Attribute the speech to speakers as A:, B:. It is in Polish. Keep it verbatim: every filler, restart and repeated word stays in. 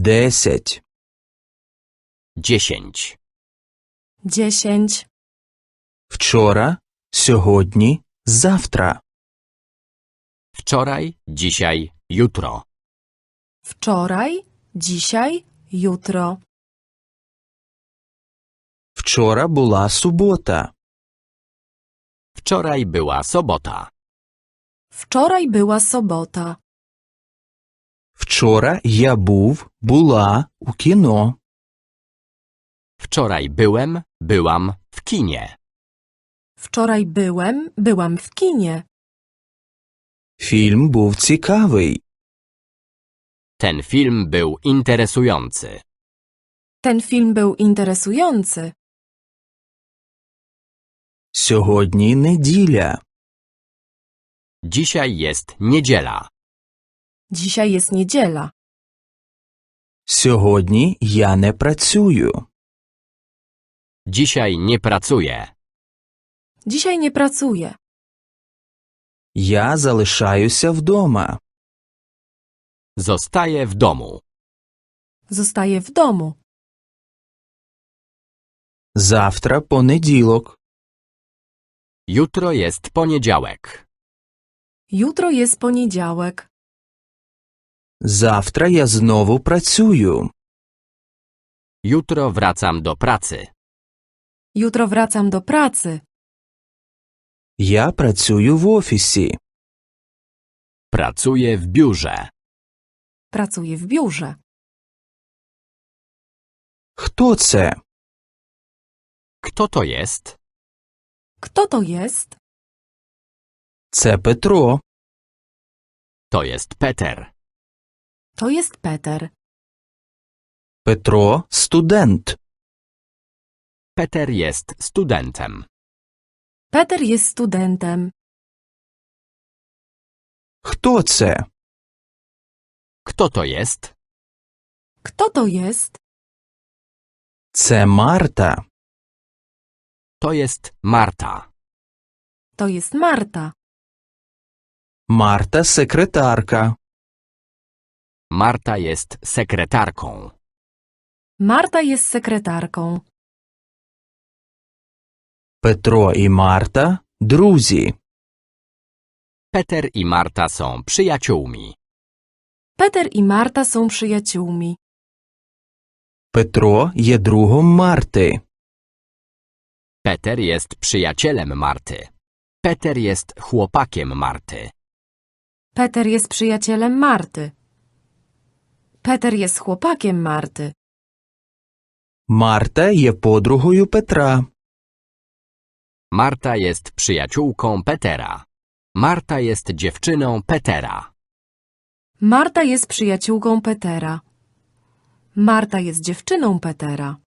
A: Десять.
B: Dziesięć.
C: Dziesięć.
A: Вчора, сьогодні, завтра.
B: Wczoraj, dzisiaj, jutro.
C: Wczoraj, dzisiaj, jutro.
A: Вчора була субота.
B: Wczoraj była sobota.
C: Wczoraj była sobota.
A: Вчора я був, була у кіно.
B: Wczoraj byłem, byłam w kinie.
C: Wczoraj byłem, byłam w kinie.
A: Фільм був цікавий.
B: Ten film był interesujący.
C: Ten film był interesujący.
A: Сьогодні неділя.
B: Dzisiaj jest niedziela.
C: Dzisiaj jest niedziela.
A: Сьогодні я не працюю.
B: Dzisiaj nie pracuję.
C: Dzisiaj nie pracuję.
A: Я залишаюся вдома.
B: Zostaję w domu.
C: Zostaję w domu.
A: Завтра понеділок.
B: Jutro jest poniedziałek.
C: Jutro jest poniedziałek.
A: Завтра я знову працюю.
B: Jutro wracam do pracy.
C: Jutro wracam do pracy.
A: Я працюю в офісі.
B: Pracuję w biurze.
C: Pracuję w biurze.
A: Хто це?
B: Kto to jest?
C: Kto to jest?
A: Це Петро.
B: To jest Peter.
C: To jest Peter.
A: Петро – студент.
B: Peter jest studentem.
C: Peter jest studentem.
A: Хто це?
B: Kto to jest?
C: Kto to jest?
A: Це Марта.
B: To jest Marta.
C: To jest Marta.
A: Марта – секретарка.
B: Marta jest sekretarką.
C: Marta jest sekretarką.
A: Петро і Марта – друзі.
B: Peter i Marta są przyjaciółmi.
C: Peter i Marta są przyjaciółmi.
A: Петро є другом Марти.
B: Peter jest przyjacielem Marty. Peter jest chłopakiem Marty.
C: Peter jest przyjacielem Marty. Peter jest chłopakiem Marty.
A: Марта є подругою Петра.
B: Marta jest przyjaciółką Petera. Marta jest dziewczyną Petera.
C: Marta jest przyjaciółką Petera. Marta jest dziewczyną Petera.